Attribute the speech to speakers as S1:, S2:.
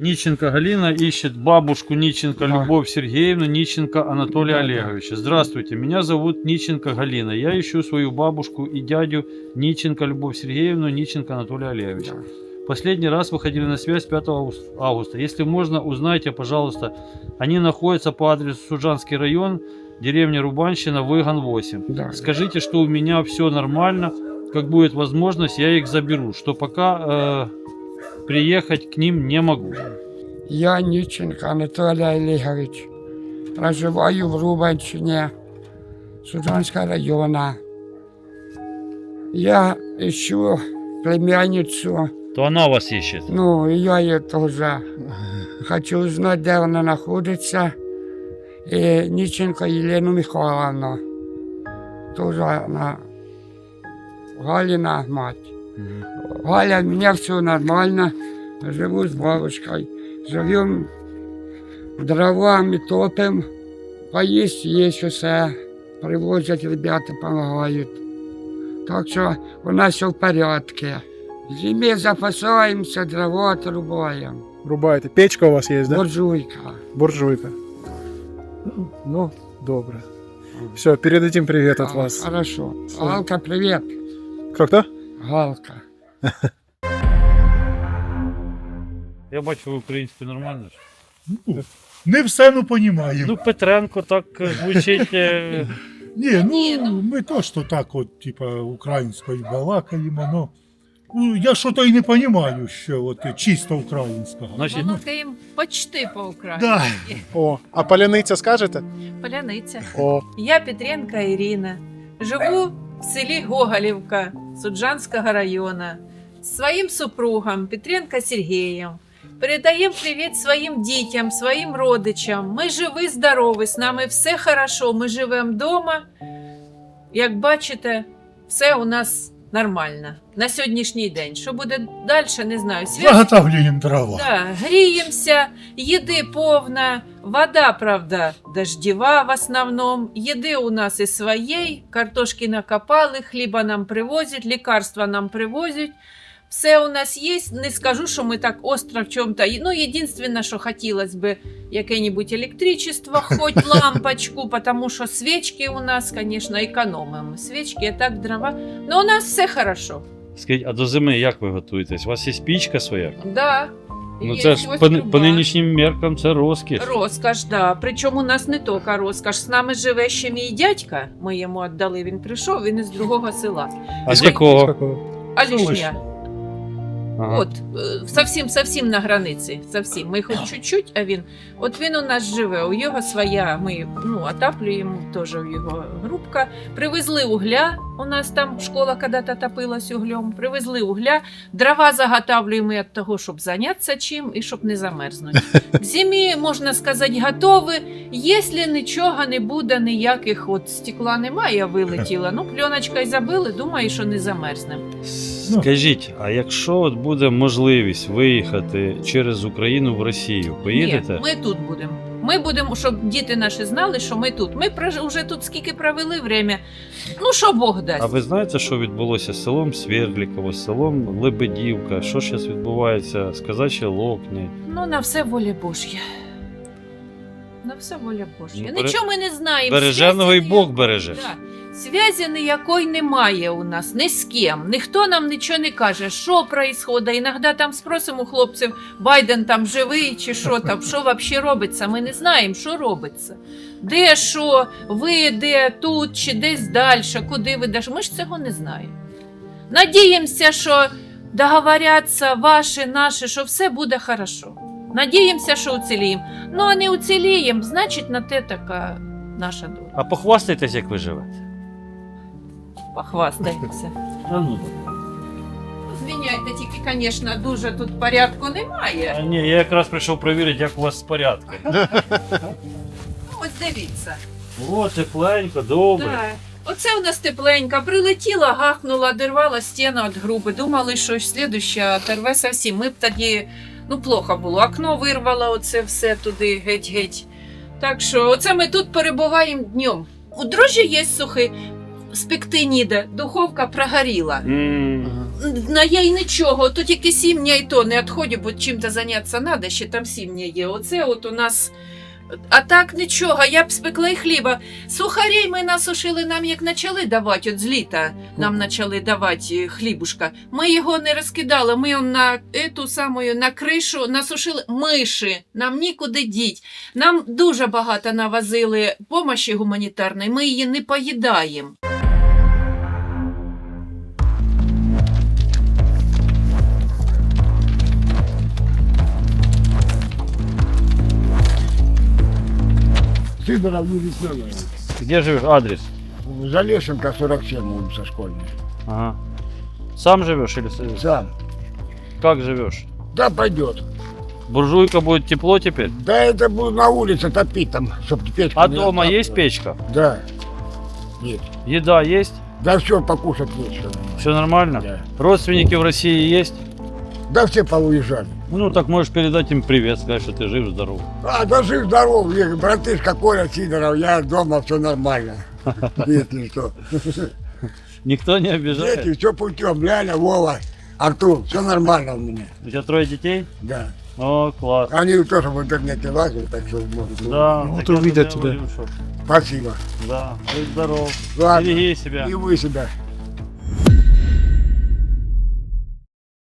S1: Ниченко Галина ищет бабушку Ниченко
S2: Да.
S1: Любовь Сергеевну, Ниченко Анатолия Олеговича. Здравствуйте, меня зовут Ниченко Галина. Я ищу свою бабушку и дядю Ниченко Любовь Сергеевну, Ниченко Анатолия Олеговича. Последний раз выходили на связь 5 августа. Если можно, узнайте, пожалуйста. Они находятся по адресу Суджанский район, деревня Рубанщина, Выгон 8.
S2: Да.
S1: Скажите, что у меня все нормально. Как будет возможность, я их заберу. Что пока приехать к ним не могу.
S2: Я Ніченко Анатолій Олегович. Проживаю в Рубанщині, Суджанського району. Я ищу племянницю.
S1: То она вас ищет.
S2: Ну, и я ее тоже хочу узнать, где она находится. И Ниченко Елену Михайловну. Тоже она Галина мать. Галя, у меня все нормально. Живу с бабушкой. Живем дровами, топим. Поесть есть все. Привозят ребята, помогают. Так что у нас все в порядке. В зиме запасаемся, дрова отрубаем.
S3: Рубаєте. Печка у вас є, да?
S2: Буржуйка.
S3: Буржуйка. Ну, добре. Все, передадим привет от вас.
S2: Хорошо. Галка, привет.
S3: Кто?
S2: Галка.
S1: Я бачу, ви українською нормально ж.
S4: Не все, ну, понімаємо.
S1: Ну, Петренко так звучить.
S4: Ні, ми то, що так от, типа, українською балакаємо, ну, я що-то і не розумію, що от чисто українського.
S1: Значить,
S5: Балакаємо почти по-українськи.
S4: Да.
S3: О, а паляниця скажете?
S5: Поляниця.
S3: О,
S5: Я Петренко Ірина. Живу в селі Гоголівка Суджанського району з своїм супругом Петренко Сергієм. Передаємо привіт своїм дітям, своїм родичам. Ми живі, здорові, з нами все хорошо. Ми живемо вдома. Як бачите, все у нас нормально на сьогоднішній день. Що буде далі, не знаю.
S4: Заготовлюємо дрова.
S5: Да, гріємося, їди повна, вода, правда, дождєва в основному. Їди у нас і своєї, картошки накопали, хліба нам привозять, лікарства нам привозять. Все у нас є, не скажу, що ми так остро в чому-то. Ну, єдине, що хотілося б, яке-небудь електричество, хоч лампочку, тому що свічки у нас, звісно, економимо. Свічки, а так дрова. Ну, у нас все хорошо.
S1: скажіть, а до зими як ви готуєтесь? У вас є пічка своя?
S5: Да.
S1: Ну
S5: Є
S1: це ж
S5: ось
S1: по
S5: труба.
S1: нинішнім меркам це розкіш.
S5: Розкаш, да. Причому у нас не тільки розкаш. З нами живе ще мій дядька. Ми йому віддали, він прийшов, він із другого села.
S1: А з якого?
S3: какого?
S5: Алішня.
S1: Ага.
S5: От, совсем на границі. Совсем. Ми хоч чуть-чуть, а він. От він у нас живе, у його своя, ми отаплюємо, теж у його групка. Привезли угля, у нас там школа когда-то топилась углем. Привезли угля, дрова заготавлюємо від того, щоб зайнятися чим і щоб не замерзнути. К зимі, можна сказати, готові. Якщо нічого не буде, ніяких от стекла немає, вилетіло, ну пленочкою забили, думаю, що не замерзнемо.
S1: Скажіть, а якщо от буде можливість виїхати через Україну в Росію, поїдете?
S5: Ні, ми тут будемо. Ми будемо, щоб діти наші знали, що ми тут. Ми вже тут скільки провели время. Ну, що Бог дасть.
S1: А ви знаєте, що відбулося з селом Свердліково, з селом Лебедівка? Що зараз відбувається з Казачі Локні?
S5: Ну, на все воля Божя. На все воля Божя.
S1: Ну,
S5: Нічого ми не знаємо.
S1: Береженого і
S5: Зв'язі
S1: Бог береже.
S5: Да. Зв'язі ніякої немає у нас, ні з ким. Ніхто нам нічого не каже, що відбувається. Іноді там спросимо у хлопців, Байден там живий чи що там, що взагалі робиться. Ми не знаємо, що робиться. Де що, ви де, тут чи десь далі, куди ви даш. Ми ж цього не знаємо. Надіємося, що договоряться ваші, наші, що все буде хорошо. Надіємося, що уціліємо. Ну, а не уціліємо, значить, на те така наша доля.
S1: А похвастайтесь, як ви живете.
S5: Похвастаємося.
S1: А ну.
S5: Звиняйте, тільки, звісно, дуже тут порядку немає.
S1: А ні, я якраз прийшов перевірити, як у вас з порядком.
S5: Ось дивіться.
S1: О, тепленько, добре.
S5: Так. Оце у нас тепленька. Прилетіла, гахнула, дервала стіну від груби. Думали, що слідуща терве зовсім. Ми б тоді, плохо було. Окно вирвало, оце все туди, геть-геть. Так що, оце ми тут перебуваємо днем. У дрожжі є сухі. спекти ніде, духовка прогоріла.
S1: М.
S5: На їй нічого, то тільки сім'я і то не відходить, бо чим-то зайнятися треба, ще там сім'я є. Оце от у нас. А так нічого, я б спекла і хліба. Сухарей ми насушили, нам як почали давати, от з літа нам почали давати хлібушка. Ми його не розкидали, ми його на ету самою, на кришу насушили миші, нам нікуди діть. Нам дуже багато навозили помощі гуманітарної, ми її не поїдаємо.
S6: Сидоров не весняная.
S1: Где живешь? Адрес?
S6: Залешенко 47, улица Школьная.
S1: Ага. Сам живешь или
S6: Сам.
S1: как живешь?
S6: Да, пойдет.
S1: Буржуйка будет тепло теперь?
S6: Да это буду на улице топить там, чтобы печка
S1: А
S6: не
S1: дома
S6: осталась.
S1: есть печка?
S6: Да. Есть.
S1: Еда есть?
S6: Да все, покушать нечего.
S1: Все нормально?
S6: Да.
S1: Родственники в России есть?
S6: Да все поуезжали.
S1: Ну так можешь передать им привет, сказать, что ты жив, здоров.
S6: А, да жив здоров, братышка Коля Сидоров, я дома, все нормально. Если что.
S1: Никто не обижает?
S6: Дети, все путем, Ляля, Вова, Артур, все нормально у меня.
S1: У тебя 3 детей?
S6: Да.
S1: О, класс.
S6: Они тоже в интернете лазят, так что может.
S1: Да,
S3: Вот
S1: так я
S3: увидят
S1: тебе
S3: тебя.
S1: говорю, что-
S6: Спасибо.
S1: Да, будь здоров.
S6: Ладно.
S1: Береги себя.
S6: И вы себя.